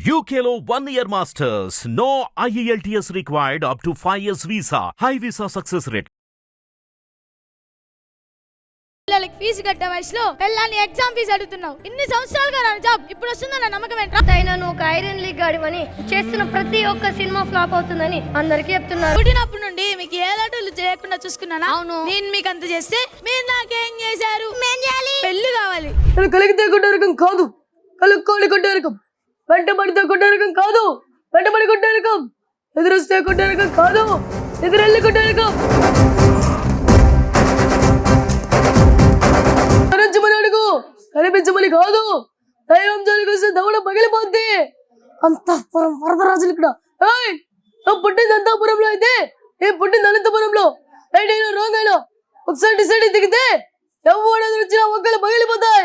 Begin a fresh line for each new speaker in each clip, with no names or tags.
UKLO 1 year masters. No IELTS required up to 5 years visa. High visa success rate.
పిల్లలకి fee కట్టే వయసులో పిల్లల్ని exam fee అడుగుతున్నావు. ఇన్ని సంవత్సరాలుగా నా జాబ్ ఇప్పుడు వస్తుందన్న నమ్మకం ఏంట్రా?
అయినా నువ్వు ఒక ఐరన్ లీగ్ గాడివని చేస్తున్న ప్రతి ఒక్క సినిమా ఫ్లాప్ అవుతుందని అందరికీ చెప్తున్నారు.
పుట్టినప్పటి నుండి మీకు ఏ లాటలు చేయకుండా చూసుకున్నానా? అవును. నేను మీకు అంత చేస్తే మీరు నాకేం చేశారు? పెళ్లి కావాలి.
కలిగితే కొట్టరకం కాదు, కలుక్కోని కొట్టరకం. వెంటబడితే కొట్టరకం కాదు, వెంటబడి కొట్టరకం. ఎదురొస్తే కొట్టరకం కాదు, ఎదురెళ్ళి కొట్టరకం. కరించమని అడుగు, కనిపించమని కాదు. దైవం జోలికి వస్తే దవడ పగిలిపోద్ది. అంతఃపురం వరదరాజులు ఇక్కడ. పుట్టింది అంతఃపురంలో అయితే ఏ పుట్టింది అనంతపురంలో. రైట్ అయినా రాంగ్ అయినా ఒకసారి డిసైడ్ అయి దిగితే ఎవరు వచ్చినా ఒక్కలు పగిలిపోతాయి.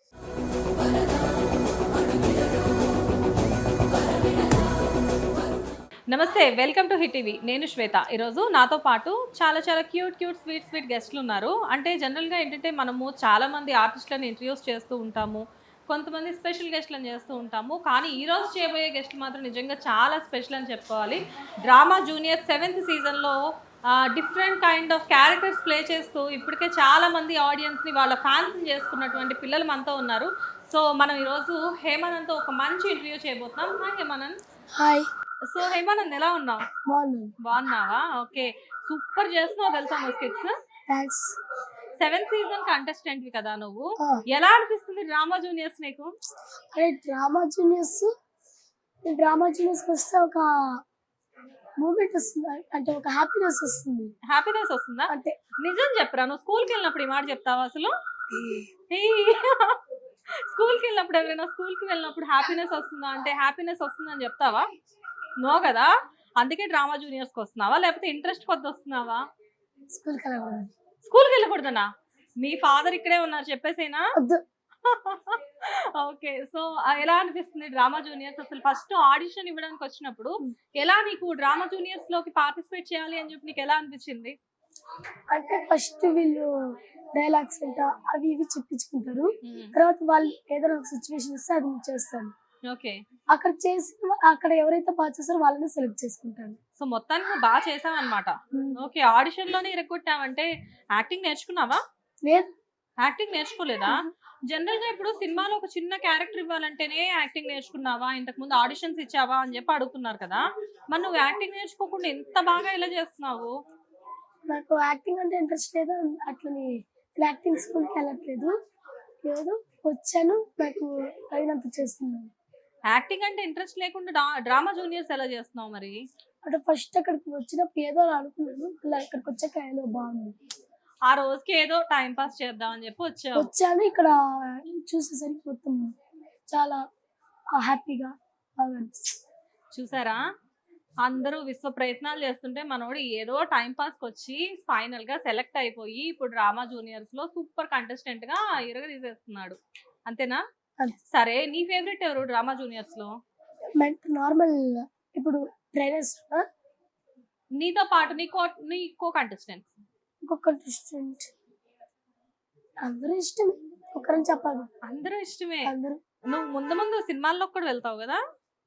నమస్తే, వెల్కమ్ టు హిట్ టీవీ. నేను శ్వేత. ఈరోజు నాతో పాటు చాలా క్యూట్ స్వీట్ గెస్ట్లు ఉన్నారు. అంటే జనరల్గా ఏంటంటే మనము చాలామంది ఆర్టిస్టులను ఇంట్రడ్యూస్ చేస్తూ ఉంటాము, కొంతమంది స్పెషల్ గెస్ట్లను చేస్తూ ఉంటాము. కానీ ఈరోజు చేయబోయే గెస్ట్లు మాత్రం నిజంగా చాలా స్పెషల్ అని చెప్పుకోవాలి. డ్రామా జూనియర్ 7th సీజన్లో different kind of characters play చేస్తూ ఇప్పటికే చాలామంది ఆడియన్స్ని వాళ్ళ ఫ్యాన్స్ని చేసుకున్నటువంటి పిల్లలు మనతో ఉన్నారు. సో మనం ఈరోజు హేమానంద్తో ఒక మంచి ఇంటర్వ్యూ చేయబోతున్నాం. Hi Hemanand.
Hi.
So Hemanand, ఎలా ఉన్నావు? బాగున్నావా? ఓకే, సూపర్ చేస్తున్నావు తెలుసా నువ్వు స్కిట్స్. 7th సీజన్ కంటెస్టెంట్ కదా నువ్వు. ఎలా అనిపిస్తుంది డ్రామా జూనియర్స్ నీకు?
అరే డ్రామా జూనియర్స్ వస్తే ఒక మూమెంట్ వస్తుంది, అంటే ఒక హ్యాపీనెస్
వస్తుందా? అంటే నిజం చెప్పరా, నువ్వు స్కూల్కి వెళ్ళినప్పుడు ఈ మాట చెప్తావా అసలు? స్కూల్కి వెళ్ళినప్పుడు ఎవరైనా స్కూల్కి వెళ్ళినప్పుడు హ్యాపీనెస్ వస్తుందా అంటే హ్యాపీనెస్ వస్తుందని చెప్తావా? నో కదా. అందుకే డ్రామా జూనియర్స్కి వస్తున్నావా, లేకపోతే ఇంట్రెస్ట్ కొద్ది వస్తున్నావా? స్కూల్కి వెళ్ళకూడదనా? మీ ఫాదర్ ఇక్కడే ఉన్నారు చెప్పేసేనా? ఓకే. సో ఎలా అనిపిస్తుంది డ్రామా జూనియర్స్? అసలు ఫస్ట్ ఆడిషన్ ఇవ్వడానికి వచ్చినప్పుడు ఎలా నీకు డ్రామా జూనియర్స్ లోకి పార్టిసిపేట్ చేయాలి అని చెప్పి నీకు ఎలా అనిపించింది?
అంటే ఫస్ట్ వీళ్ళు డైలాగ్స్ అంట అవి ఇవి చెప్పించుకుంటారు. తర్వాత వాళ్ళు ఏదైనా ఒక సిచ్యువేషన్ ఇస్తే అది చేస్తాను.
ఓకే.
అక్కడ ఎవరైతే బాగా చేస్తారో వాళ్ళని సెలెక్ట్ చేసుకుంటారు.
సో మొత్తానికి నువ్వు బాగా చేసావు అనమాట. ఓకే. ఆడిషన్ లోనే ఇరగొట్టావంటే యాక్టింగ్ నేర్చుకున్నావా?
లేదు,
యాక్టింగ్ నేర్చుకోలేదా? జనరల్ గా ఇప్పుడు సినిమాలో ఒక చిన్న క్యారెక్టర్ ఇవ్వాలంటేనే యాక్టింగ్ నేర్చుకున్నావా, ఇంతకు ముందు ఆడిషన్స్ ఇచ్చావా అని చెప్పి అడుగుతున్నారు కదా. మరి నువ్వు యాక్టింగ్ నేర్చుకోకుండా ఎంత బాగా ఎలా చేస్తున్నావు?
నాకు యాక్టింగ్ అంటే ఇంట్రెస్ట్ లేదు, అట్లని యాక్టింగ్ స్కూల్కి వెళ్ళట్లేదు. ఏదో వచ్చాను, నాకు అయినంత చేస్తున్నాను.
యాక్టింగ్ అంటే ఇంట్రెస్ట్ లేకుండా డ్రామా జూనియర్స్ ఎలా చేస్తున్నావు మరి?
అంటే ఫస్ట్ అక్కడికి వచ్చినప్పుడు ఏదో అనుకున్నాను, అలా ఇక్కడికి వచ్చాక ఏదో బాగుంది.
ఆ రోజుకి ఏదో టైం పాస్ చేద్దాం అని చెప్పి
వచ్చాను. ఇక్కడ చూసేసరికి మొత్తం చాలా హ్యాపీగా బాగా అనిపిస్తుంది.
చూసారా, అందరూ విశ్వ ప్రయత్నాలు చేస్తుంటే మనోడు ఏదో టైం పాస్కి వచ్చి ఫైనల్ గా సెలెక్ట్ అయిపోయి ఇప్పుడు డ్రామా జూనియర్స్ లో సూపర్ కంటెస్టెంట్ గా తీసేస్తున్నాడు. అంతేనా? సరే, నీ ఫేవరెట్ ఎవరు డ్రామా జూనియర్స్ లో?
నార్మల్ ఇప్పుడు ట్రైనర్స్,
నీతో పాటు నీ కో కంటెస్టెంట్?
ఇంకొక కంటెస్టెంట్ అందరూ ఇష్టమే, ఒకరని చెప్పాలి.
అందరూ ఇష్టమే.
అందరూ.
నువ్వు ముందు సినిమాల్లో కూడా వెళ్తావు కదా?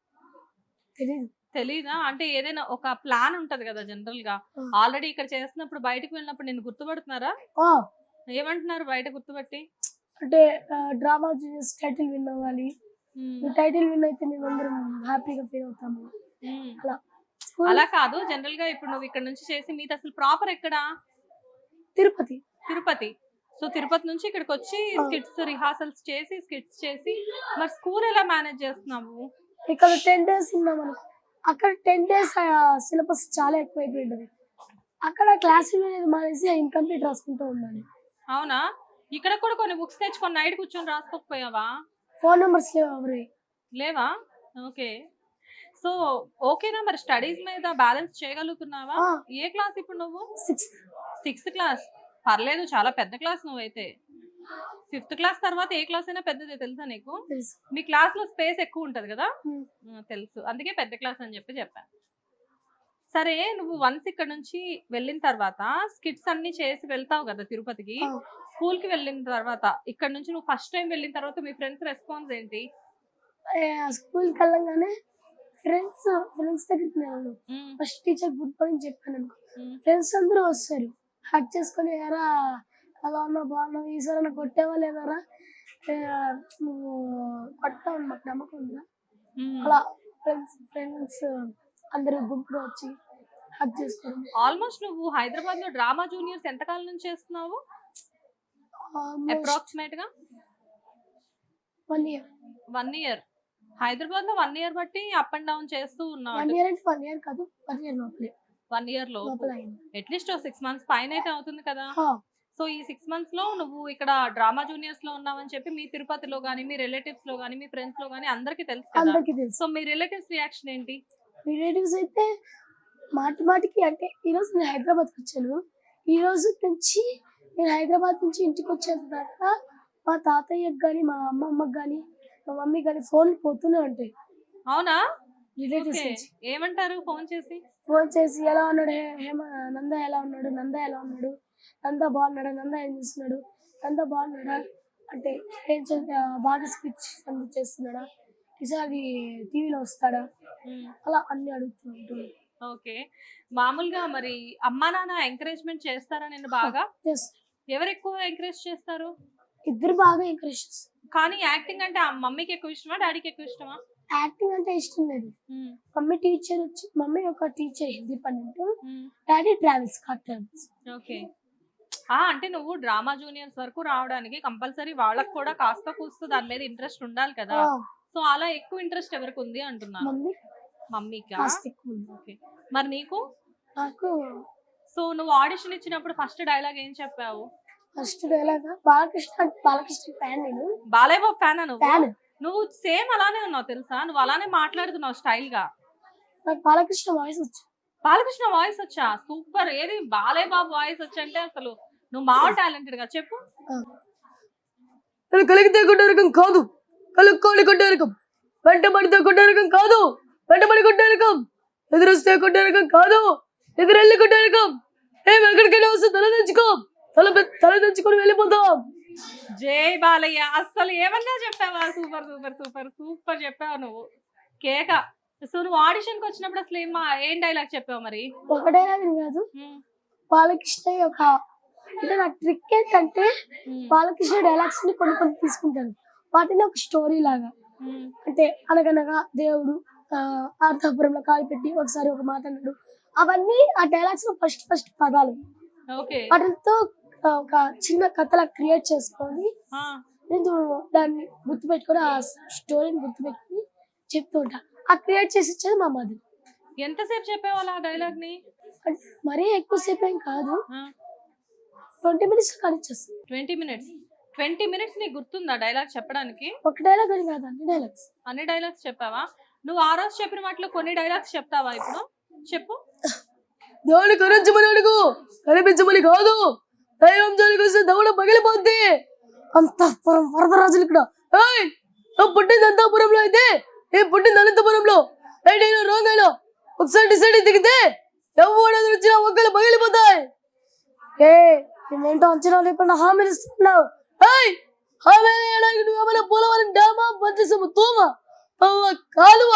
తెలీదా? అంటే ఏదైనా ఒక ప్లాన్ ఉంటది కదా జనరల్ గా. ఆల్రెడీ ఇక్కడ చేస్తున్నప్పుడు బయటకు వెళ్ళినప్పుడు నేను గుర్తుపడుతున్నారా? ఏమంటున్నారు బయట గుర్తుపట్టి?
అంటే డ్రామా జూనియర్స్ టైటిల్ విన్ అవ్వాలి, టైటిల్ విన్ అయితే మేము అందరం హ్యాపీగా ఫీల్ అవుతాము.
అలా కాదు, జనరల్ గా ఇప్పుడు నువ్వు ఇక్కడ నుంచి చేసి మీది అసలు ప్రాపర్ ఎక్కడా? తిరుపతి. సో తిరుపతి నుంచి ఇక్కడికి వచ్చి స్కిట్స్ రిహార్సల్స్ చేసి స్కిట్స్ చేసి మరి స్కూల్ ఎలా మేనేజ్ చేస్తున్నావు?
ఇక్కడ 10 days ఉన్నాం అనుకో, అక్కడ 10 days సిలబస్ చాలా ఎక్కువైపోయింది. అక్కడ క్లాస్ అనేది మానేసి ఇన్కంప్లీట్ రాసుకుంటూ ఉండాలి.
అవునా? ఇక్కడ కూడా కొన్ని బుక్స్ తెచ్చుకొని నైట్ కూర్చొని రాసుకోకపోయావా?
ఫోన్ నెంబర్స్
లేవా? ఓకే. సో ఓకేనా మరి స్టడీస్ మీద బ్యాలెన్స్ చేయగలుగుతున్నావా? ఏ క్లాస్ ఇప్పుడు నువ్వు? 6th class. పర్లేదు, చాలా పెద్ద క్లాస్ నువ్వైతే. 5th క్లాస్ తర్వాత ఏ క్లాస్ అయినా పెద్దదే తెలుసా నీకు? మీ క్లాస్ లో స్పేస్ ఎక్కువ ఉంటది కదా. తెలుసు, అందుకే పెద్ద క్లాస్ అని చెప్పాను. సరే, నువ్వు వన్స్ ఇక్కడ నుంచి వెళ్ళిన తర్వాత స్కిట్స్ అన్ని చేసి వెళ్తావు కదా తిరుపతికి. స్కూల్ కి వెళ్ళిన తర్వాత ఇక్కడ నుంచి నువ్వు ఫస్ట్ టైం వెళ్ళిన తర్వాత మీ ఫ్రెండ్స్ రెస్పాన్స్ ఏంటి?
స్కూల్కి వెళ్ళంగానే ఫ్రెండ్స్ దగ్గరికి వెళ్ళాను. ఫస్ట్ టీచర్ గుడ్ మార్నింగ్ చెప్పాను అనుకో, ఫ్రెండ్స్ అందరూ వస్తారు హక్ చేసుకొని, ఎరా అలా ఉన్నావు బాగున్నావు, ఈసారి అన్న కొట్టేవా లేదారా, నువ్వు కొట్టావు మాకు నమ్మకం ఉందా, అలా ఫ్రెండ్స్ అందరూ గుంపుగా వచ్చి హక్ చేసుకోవడం.
ఆల్మోస్ట్ నువ్వు హైదరాబాద్ లో డ్రామా జూనియర్స్ ఎంతకాలం నుంచి చేస్తున్నావు? అప్రాక్సిమేట్ గా
1 year.
1 year. హైదరాబాద్ లో 1 year బట్టి అప్ అండ్ డౌన్ చేస్తూ ఉన్నావు.
1 year అంటే 1 year కాదు, 1 year లోపలే.
1 year లో అట్లీస్ట్ 6 months పైన అయితే అవుతుంది కదా. సో ఈ 6 months లో నువ్వు ఇక్కడ డ్రామా జూనియర్స్ లో ఉన్నావని చెప్పి మీ తిరుపతిలో గానీ, మీ రిలేటివ్స్ లో గానీ, మీ ఫ్రెండ్స్ లో గానీ అందరికి తెలుసు కదా. సో మీ రిలేటివ్స్ రియాక్షన్ ఏంటి?
రిలేటివ్స్ అయితే మాటికి అంటే ఈరోజు నేను హైదరాబాద్కి వచ్చాను, ఈ రోజు నుంచి నేను హైదరాబాద్ నుంచి ఇంటికి వచ్చేంత దాకా మా తాతయ్యకి కానీ, మా అమ్మమ్మకి కానీ, మా మమ్మీ కానీ ఫోన్ పోతూనే ఉంటాయి.
అవునా?
రిలేటివ్స్
ఏమంటారు ఫోన్ చేసి
ఎలా ఉన్నాడు నంద, ఎలా ఉన్నాడు నంద, ఎలా ఉన్నాడు నంద, బాగున్నాడా నంద, ఏం చేస్తున్నాడు నంద, బాగున్నాడా అంటే ఏం బాగా స్పీచ్ చేస్తున్నాడా, ఈసారి టీవీలో వస్తాడా, అలా అన్ని అడుగుతూ ఉంటాడు.
ఓకే. మామూలుగా మరి అమ్మా నాన్న ఎంకరేజ్మెంట్ చేస్తారా నేను బాగా? ఎవరు ఎక్కువ ఎంకరేజ్ చేస్తారు?
ఇద్దరు బాగా ఎంకరేజ్ చేస్తారు.
కానీ యాక్టింగ్ అంటే మమ్మీకి ఎక్కువ ఇష్టమా, డాడీకి ఎక్కువ ఇష్టమా?
యాక్టింగ్ అంటే ఇష్టం లేదు. మమ్మీ ఒక teacher Hindi pandit, daddy travels, car travels.
Okay. అంటే నువ్వు డ్రామా జూనియర్స్ వరకు రావడానికి కంపల్సరీ వాళ్ళకి కూడా కాస్త కూస్తూ దాని మీద ఇంట్రెస్ట్ ఉండాలి కదా. సో అలా ఎక్కువ ఇంట్రెస్ట్ ఎవరికి ఉంది అంటున్నాను? మమ్మీకా? ఓకే. మరి నీకు?
నాకు.
సో నువ్వు ఆడిషన్ ఇచ్చినప్పుడు ఫస్ట్ డైలాగ్ ఏం చెప్పావు?
ఫస్ట్ డైలాగ్ బాలకృష్ణ ఫ్యాన్ నేను.
బాలయ్య బాబు ఫ్యానా నువ్వు? నువ్వు సేమ్ అలానే ఉన్నావు తెలుసా, నువ్వు అలానే మాట్లాడుతున్నావు స్టైల్ గా.
నాకు బాలకృష్ణ వాయిస్ వచ్చా.
బాలకృష్ణ వాయిస్ వచ్చా? సూపర్. ఏది బాలయ్య బాబు వాయిస్ వచ్చంటే అసలు నువ్వు మావ టాలెంటెడ్ గా చెప్పు.
కలిగితే కొట్టే రకం కాదు, కలుక్కోని కొట్టే రకం, వెంట పడితే కొట్టే రకం కాదు, వెంటబడి కొట్టే రకం, ఎదురొస్తే కొట్టే రకం కాదు, ఎదురెళ్ళి కొట్టే రకం. ఎక్కడికైనా వస్తే తల తెచ్చుకొని వెళ్ళిపోతాం.
జై బాలయ్య. అసలు ఏమన్నా చెప్పావా? సూపర్ సూపర్ సూపర్ సూపర్ చెప్పావు నువ్వు, కేక. సో నువ్వు ఆడిషన్ కి వచ్చినప్పుడు అసలు ఏం డైలాగ్ చెప్పావు మరి?
ఒక డైలాగ్ కాదు, బాలకృష్ణ యొక్క అంటే నా ట్రిక్ ఏంటంటే బాలకృష్ణ డైలాగ్స్ ని కొన్ని తీసుకుంటాను, వాటిని ఒక స్టోరీ లాగా. అంటే అనగనగా దేవుడు అర్థాపురంలో కాలు పెట్టి ఒకసారి ఒక మాట అన్నాడు, అవన్నీ ఆ డైలాగ్స్ లో ఫస్ట్ పదాలు. వాటితో ఒక చిన్న కథలా క్రియేట్ చేసుకొని నేను దాన్ని గుర్తుపెట్టుకొని, ఆ స్టోరీని గుర్తుపెట్టుకుని చెప్తూ ఉంటా. ఆ క్రియేట్ చేసి ఇచ్చేది మా మదర్.
ఎంతసేపు చెప్పేవాళ్ళు ఆ డైలాగ్ ని?
మరీ ఎక్కువసేపు ఏం కాదు, 20 minutes కానిచ్చేస్తాను.
20 minutes నీకు గుర్తుందా డైలాగ్ చెప్పడానికి?
ఒక డైలాగ్ అని కాదు,
అన్ని డైలాగ్స్ చెప్పావా? నువ్వు ఆ రోజు చెప్పిన వాటిలో కొన్ని డైలాగ్స్ చెప్తావా ఇప్పుడు? చెప్పు.
దేవుని కరించమని అడుగు, కనిపించమని కాదు, దైవం జోలికి వస్తే దవడ పగిలిపోద్ది. అంతఃపురం వరదరాజులు ఇక్కడ. పుట్టింది అంతఃపురంలో అయితే నేను పుట్టింది అనంతపురంలో. నేను రాంగ్ అయినా ఒకసారి డిసైడ్ దిగితే ఎవరు వచ్చినా ఒక్కలు పగిలిపోతాయి. నువ్వేంటో అంచనా లేకుండా హామీలు ఇస్తున్నావు. హామీ నువ్వు ఏమైనా పోలవరం డ్యామా, పట్టిసము తోమ, కాలువ.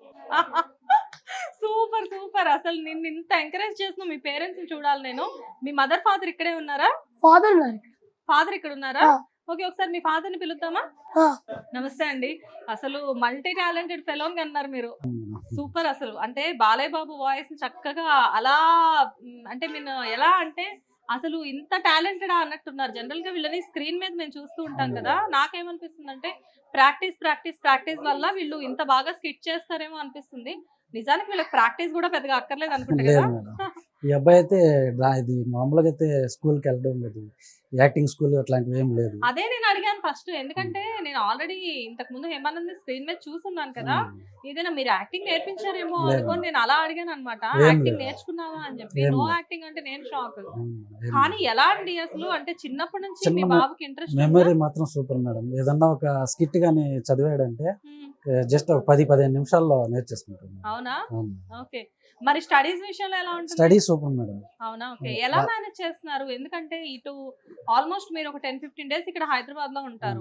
Super super. అసలు నిన్ను ఇంత ఎంకరేజ్ చేసిన మీ పేరెంట్స్ చూడాలి నేను. మీ మదర్ ఫాదర్ ఇక్కడే ఉన్నారా? ఫాదర్ ఇక్కడ ఉన్నారా? ఓకే, ఒకసారి మీ ఫాదర్ ని పిలుద్దామా? నమస్తే అండి. అసలు మల్టీ టాలెంటెడ్ ఫెలోన్ అన్నారు మీరు. సూపర్. అసలు అంటే బాలయ్య బాబు వాయిస్ చక్కగా అలా అంటే నేను ఎలా అంటే అసలు ఇంత టాలెంటెడ్ అన్నట్టున్నారు. జనరల్ గా వీళ్ళని స్క్రీన్ మీద మేము చూస్తూ ఉంటాం కదా, నాకేమనిపిస్తుంది అంటే ప్రాక్టీస్ వల్ల వీళ్ళు ఇంత బాగా స్కిట్ చేస్తారేమో అనిపిస్తుంది. నిజానికి వీళ్ళకి ప్రాక్టీస్ కూడా పెద్దగా అక్కర్లేదు అనుకుంటా కదా.
ఈ అబ్బాయి అయితే ఇది మామూలుగా అయితే స్కూల్కి వెళ్ళడం లేదు, యాక్టింగ్ స్కూల్ అట్లాంటివి ఏం లేదు.
అదే నేను అడిగాను ఫస్ట్, ఎందుకంటే నేను ఆల్రెడీ ఇంతకు ముందు హేమానంద్ స్క్రీన్ మీద చూసున్నాను కదా, ఏదైనా మీరు యాక్టింగ్ నేర్పించారేమో అనుకోని నేను అలా అడిగాను అనమాట. యాక్టింగ్ నేర్చుకున్నావా అని చెప్పి. నో యాక్టింగ్ అంటే నేను షాక్. కానీ ఎలా అండి అసలు, అంటే చిన్నప్పటి నుంచి మీ బాబుకి ఇంట్రెస్ట్?
మెమరీ మాత్రం సూపర్ మేడం. ఏదన్నా ఒక స్కిట్ గానీ చదివాడంటే జస్ట్ ఒక 10-15 నిమిషాల్లో నేర్చేసుకుంటాం.
అవునా? ఓకే. మరి స్టడీస్ విషయంలో ఎలా ఉంటుంది?
Study super madam.
అవునా? ఓకే. ఎలా మేనేజ్ చేస్తున్నారు? ఎందుకంటే ఇటు ఆల్మోస్ట్ మీరు ఒక 10-15 days ఇక్కడ హైదరాబాద్ లో ఉంటారు.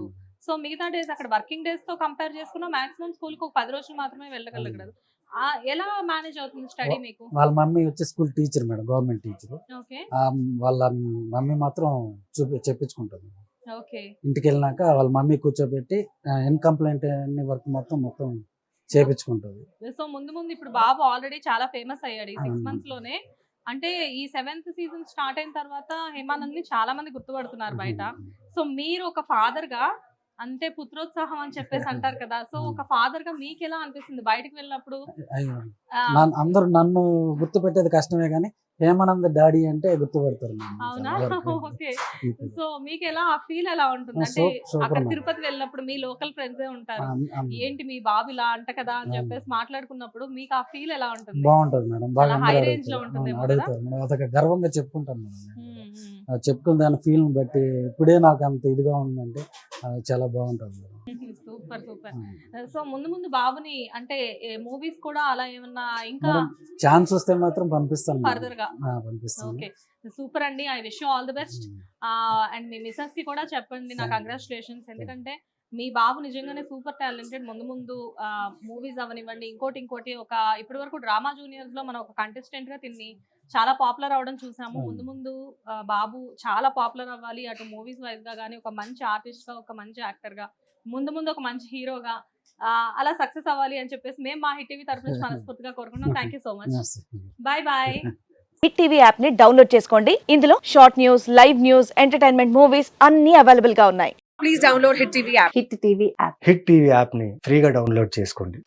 సో మిగతా డేస్ అక్కడ వర్కింగ్ డేస్ తో కంపేర్ చేసుకున్నా మాక్సిమం స్కూల్ కి ఒక 10 రోజులు మాత్రమే వెళ్ళగలగదు. ఎలా మేనేజ్ అవుతుంది స్టడీ మీకు?
వాళ్ళ మమ్మీ వచ్చి school teacher madam, government teacher.
Okay
వాళ్ళ మమ్మీ మాత్రం చెప్పించుకుంటుంది.
ఓకే
ఇంటికి వెళ్ళినాక వాళ్ళ మమ్మీ కూర్చోబెట్టి ఇన్కంప్లైంట్ అన్ని వర్క్ మొత్తం చేపించుకుంటుంది.
సో ముందు ముందు ఇప్పుడు బాబు ఆల్రెడీ చాలా ఫేమస్ అయ్యాడు ఈ 6 months లోనే. అంటే ఈ 7th సీజన్ స్టార్ట్ అయిన తర్వాత హేమానంద్ ని చాలా మంది గుర్తుపడుతున్నారు బయట. సో మీరు ఒక ఫాదర్ గా, అంటే పుత్రోత్సాహం అని చెప్పేసి అంటారు కదా, సో ఒక ఫాదర్ గా మీకు ఎలా అనిపిస్తుంది బయటకు వెళ్ళినప్పుడు?
అందరూ నన్ను గుర్తు పెట్టేది కష్టమే కానీ హేమానంద్ డాడీ అంటే గుర్తుపడతారు.
అవునా? ఓకే. సో మీకు ఎలా ఆ ఫీల్ ఎలా ఉంటుంది? అంటే అక్కడ తిరుపతి వెళ్ళినప్పుడు మీ లోకల్ ఫ్రెండ్సే ఉంటారు, ఏంటి మీ బాబు ఇలా అంట కదా అని చెప్పేసి మాట్లాడుకున్నప్పుడు మీకు ఆ ఫీల్ ఎలా ఉంటుంది?
బాగుంటుంది మేడం, బాగా
హై రేంజ్ లో ఉంటుంది.
అడుగుతారు మేడం, అదొక గర్వంగా చెప్పుకుంటాను మేడం. చెప్పుకున్న దాని ఫీల్ బట్టి ఇప్పుడే నాకు అంత ఇదిగా ఉందంటే చాలా బాగుంటుంది మేడం.
Super super. సో ముందు ముందు బాబుని అంటే మూవీస్ కూడా అలా ఏమన్నా ఇంకా
ఛాన్స్ వస్తే మాత్రం పంపిస్తాను
ఫర్దర్ గా.
పంపిస్తాను.
ఓకే సూపర్ అండి, I wish you all the best. And మీ మిసెస్ కి కూడా చెప్పండి నా కంగ్రాచులేషన్స్, ఎందుకంటే మీ బాబు నిజంగానే సూపర్ టాలెంటెడ్. ముందు ముందు మూవీస్ అవనివ్వండి, ఇంకోటి ఒక ఇప్పటి వరకు డ్రామా జూనియర్స్ లో మనం ఒక కంటెస్టెంట్ గా తిని చాలా పాపులర్ అవడం చూసాము. ముందు ముందు బాబు చాలా పాపులర్ అవ్వాలి, అటు మూవీస్ వైజ్ గా కానీ, ఒక మంచి ఆర్టిస్ట్ గా, ఒక మంచి యాక్టర్ గా, ముందు ఒక మంచి హీరోగా అలా సక్సెస్ అవ్వాలి అని చెప్పేసి మేము మా హిట్ టీవీ తరఫు నుంచి మనస్ఫూర్తిగా కోరుకుంటున్నాం. Thank you so much. Bye bye.
Hit TV app ని డౌన్లోడ్ చేసుకోండి. ఇందులో short news, live news, entertainment movies అన్ని అవైలబుల్ గా ఉన్నాయి.
Please download Hit TV app.
Hit TV app.
Hit TV యాప్ని ఫ్రీగా డౌన్లోడ్ చేసుకోండి.